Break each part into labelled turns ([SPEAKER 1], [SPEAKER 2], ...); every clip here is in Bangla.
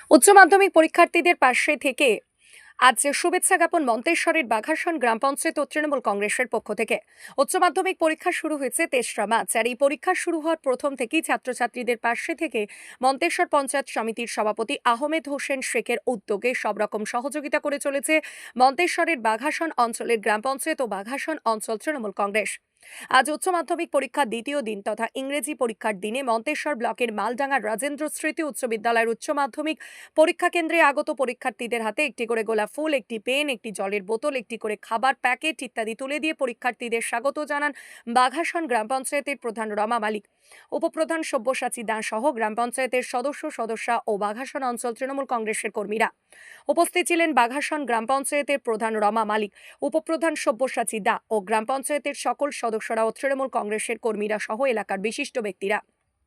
[SPEAKER 1] উচ্চ মাধ্যমিক পরীক্ষার্থীদের পাশে থেকে আজ শুভেচ্ছা জ্ঞাপন মন্তেশ্বরের বাঘাসন গ্রাম পঞ্চায়েত ও তৃণমূল কংগ্রেসের পক্ষ থেকে। উচ্চ মাধ্যমিক পরীক্ষা শুরু হয়েছে ৩রা মার্চ। আর এই পরীক্ষা শুরু হওয়ার প্রথম থেকেই ছাত্রছাত্রীদের পাশে থেকে মন্তেশ্বর পঞ্চায়েত সমিতির সভাপতি আহমেদ হোসেন শেখের উদ্যোগে সব রকম সহযোগিতা করে চলেছে মন্তেশ্বরের বাঘাসন অঞ্চলের গ্রাম পঞ্চায়েত ও বাঘাসন অঞ্চল তৃণমূল কংগ্রেস। আজ উচ্চ মাধ্যমিক পরীক্ষার দ্বিতীয় দিন তথা ইংরেজি পরীক্ষার দিনে মন্তেশ্বর ব্লকের মালডাঙ্গার রাজেন্দ্র স্মৃতি উচ্চ বিদ্যালয়ের উচ্চ মাধ্যমিক পরীক্ষা কেন্দ্রে আগত পরীক্ষার্থীদের হাতে একটি করে গোলাপ ফুল, একটি পেন, একটি জলের বোতল, একটি করে খাবার প্যাকেট ইত্যাদি তুলে দিয়ে পরীক্ষার্থীদের স্বাগত জানান বাঘাসন গ্রাম পঞ্চায়েতের প্রধান রমা মালিক, উপপ্রধান সব্যসাচী দাস সহ গ্রাম পঞ্চায়েতের সদস্যা ও বাঘাসন অঞ্চল তৃণমূল কংগ্রেসের কর্মীরা। উপস্থিত ছিলেন বাঘাসন গ্রাম পঞ্চায়েতের প্রধান রমা মালিক, উপপ্রধান সব্যসাচী দা ও গ্রাম পঞ্চায়েতের সকল সদস্যরা ও তৃণমূল কংগ্রেসের কর্মীরা সহ এলাকার বিশিষ্ট ব্যক্তিরা।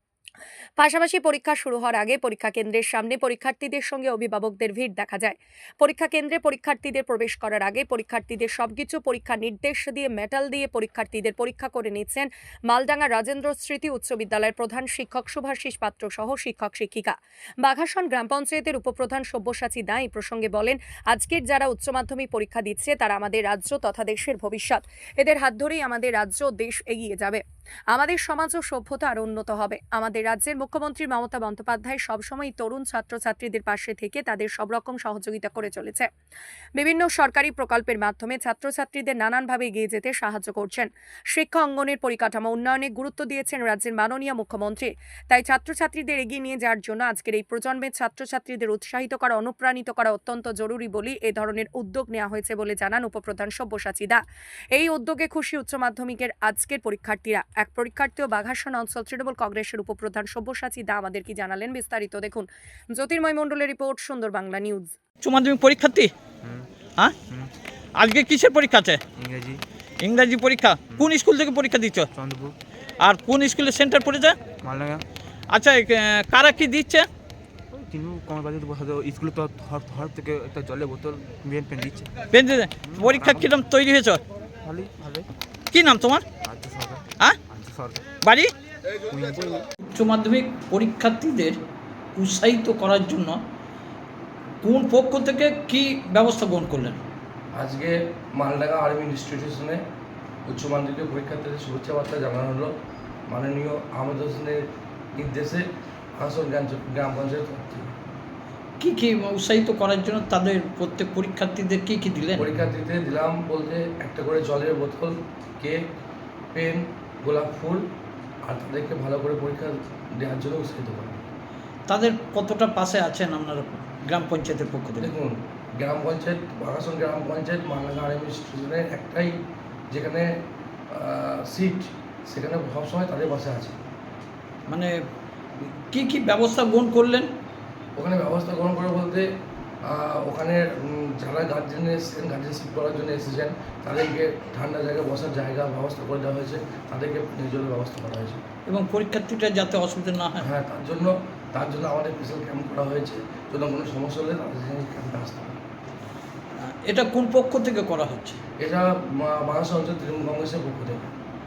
[SPEAKER 1] পাশাপাশি পরীক্ষা শুরু হওয়ার আগে পরীক্ষা কেন্দ্রের সামনে পরীক্ষার্থীদের সঙ্গে অভিভাবকদের ভিড় দেখা যায়। পরীক্ষা কেন্দ্রে পরীক্ষার্থীদের প্রবেশ করার আগে পরীক্ষার্থীদের সবকিছু পরীক্ষা নির্দেশ দিয়ে মেটাল দিয়ে পরীক্ষার্থীদের পরীক্ষা করে নিচ্ছেন মালডাঙ্গা রাজেন্দ্র স্মৃতি উচ্চ বিদ্যালয়ের প্রধান শিক্ষক শুভাশিস পাত্র সহ শিক্ষক শিক্ষিকা। বাঘাসন গ্রাম পঞ্চায়েতের উপপ্রধান সব্যসাচী দা এই প্রসঙ্গে বলেন, আজকের যারা উচ্চ মাধ্যমিক পরীক্ষা দিচ্ছে তারা আমাদের রাজ্য তথা দেশের ভবিষ্যৎ। এদের হাত ধরেই আমাদের রাজ্য দেশ এগিয়ে যাবে, আমাদের সমাজ ও সভ্যতা আরো উন্নত হবে। আমাদের রাজ্যের মুখ্যমন্ত্রী মমতা বন্দ্যোপাধ্যায় সবসময় তরুণ ছাত্রছাত্রীদের পাশে থেকে তাদের সব রকম সহযোগিতা করে চলেছে। বিভিন্ন সরকারি প্রকল্পের মাধ্যমে ছাত্রছাত্রীদের নানানভাবে এগিয়ে যেতে সাহায্য করছেন। শিক্ষা অঙ্গনের পরিকাঠামো উন্নয়নে গুরুত্ব দিয়েছেন রাজ্যের মাননীয় মুখ্যমন্ত্রী। তাই ছাত্রছাত্রীদের এগিয়ে নিয়ে যাওয়ার জন্য আজকের এই প্রজন্মের ছাত্রছাত্রীদের উৎসাহিত করা, অনুপ্রাণিত করা অত্যন্ত জরুরি বলেই এ ধরনের উদ্যোগ নেওয়া হয়েছে বলে জানান উপপ্রধান সব্যসাচী দা। এই উদ্যোগে খুশি উচ্চ মাধ্যমিকের আজকের পরীক্ষার্থীরা। এক পরীক্ষার্থী ও বাঘাসন অঞ্চল তৃণমূল কংগ্রেসের উপপ্রধান সব্যসাচী দা আমাদের কি জানালেন বিস্তারিত দেখুন। জ্যোতির্ময় মণ্ডলের রিপোর্ট, সুন্দর বাংলা নিউজ।
[SPEAKER 2] উচ্চ মাধ্যমিক পরীক্ষার্থী, হ্যাঁ, আজকে কিসের পরীক্ষা আছে? ইংরাজি পরীক্ষা। কোন স্কুল থেকে পরীক্ষা দিচ্ছ?
[SPEAKER 3] চন্দ্রপুর।
[SPEAKER 2] আর কোন স্কুলে সেন্টার পড়েছে?
[SPEAKER 3] মালডাঙ্গা।
[SPEAKER 2] আচ্ছা, কারা কি দিচ্ছে?
[SPEAKER 3] তিনু কমল বাজার বসাতে স্কুলে তো হর থেকে একটা জলের বোতল পেন দিচ্ছে।
[SPEAKER 2] পেন দিতে পরীক্ষা কিরম তৈরি হয়েছ?
[SPEAKER 3] ভালোই ভালোই।
[SPEAKER 2] কি নাম তোমার?
[SPEAKER 3] আর্য সরকার।
[SPEAKER 2] হ্যাঁ,
[SPEAKER 3] আর্য সরকার।
[SPEAKER 2] বাড়ি?
[SPEAKER 4] উচ্চ মাধ্যমিক পরীক্ষার্থীদের উৎসাহিত করার জন্য কোন পক্ষ থেকে কি ব্যবস্থা গ্রহণ করলেন?
[SPEAKER 5] আজকে মালডাঙ্গা আর্মি ইনস্টিটিউশনে উচ্চ মাধ্যমিক পরীক্ষার্থীদের শুভেচ্ছা বার্তা জানানো হলো মাননীয় আহমেদ হোসেনের নির্দেশে আসল গ্রাম পঞ্চায়েত থেকে।
[SPEAKER 4] কি কি উৎসাহিত করার জন্য তাদের প্রত্যেক পরীক্ষার্থীদের কি কি দিলেন?
[SPEAKER 5] পরীক্ষার্থীদের দিলাম বলতে একটা করে জলের বোতল, কেক, পেন, গোলাপ ফুল, আর তাদেরকে ভালো করে পরীক্ষা দেওয়ার জন্য উৎসাহিত করা।
[SPEAKER 4] তাদের কতটা পাশে আছেন আপনারা গ্রাম পঞ্চায়েতের পক্ষ থেকে?
[SPEAKER 5] দেখুন, গ্রাম পঞ্চায়েত বাঘাসন গ্রাম পঞ্চায়েত মালডাঙ্গা আর্মি ইনস্টিটিউশনের একটাই যেখানে সিট, সেখানে সবসময় তাদের পাশে আছে।
[SPEAKER 4] মানে কি কি ব্যবস্থা গ্রহণ করলেন?
[SPEAKER 5] ওখানে ব্যবস্থা গ্রহণ করে বলতে ওখানে যারা গার্জেন এসেছেন, গার্জেনশিপ করার জন্য এসেছেন, তাদেরকে ঠান্ডা জায়গায় বসার জায়গা ব্যবস্থা করে দেওয়া হয়েছে, তাদেরকে নিজের ব্যবস্থা করা হয়েছে।
[SPEAKER 4] এবং পরীক্ষার্থীরা যাতে অসুবিধা না হয়।
[SPEAKER 5] হ্যাঁ, তার জন্য আমাদের স্পেশাল ক্যাম্প করা হয়েছে, যদি কোনো সমস্যা হলে তাদের ক্যাম্পে আসতে হবে।
[SPEAKER 4] এটা কোন পক্ষ থেকে করা হচ্ছে?
[SPEAKER 5] এটা বাংলাদেশ অঞ্চল তৃণমূল কংগ্রেসের পক্ষ থেকে।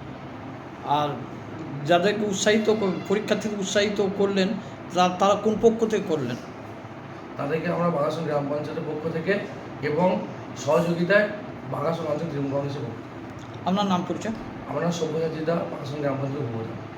[SPEAKER 4] আর যাদেরকে পরীক্ষার্থীদের উৎসাহিত করলেন তারা কোন পক্ষ থেকে করলেন?
[SPEAKER 5] তাদেরকে আমরা বাঘাসন গ্রাম পঞ্চায়েতের পক্ষ থেকে এবং সহযোগিতায় বাঘাসন অঞ্চল তৃণমূল কংগ্রেসের পক্ষ থেকে।
[SPEAKER 4] আপনার নাম পরিচয়?
[SPEAKER 5] আমরা সব্যসাচী দা, বাঘাসন গ্রাম পঞ্চায়েতের উপপ্রধান।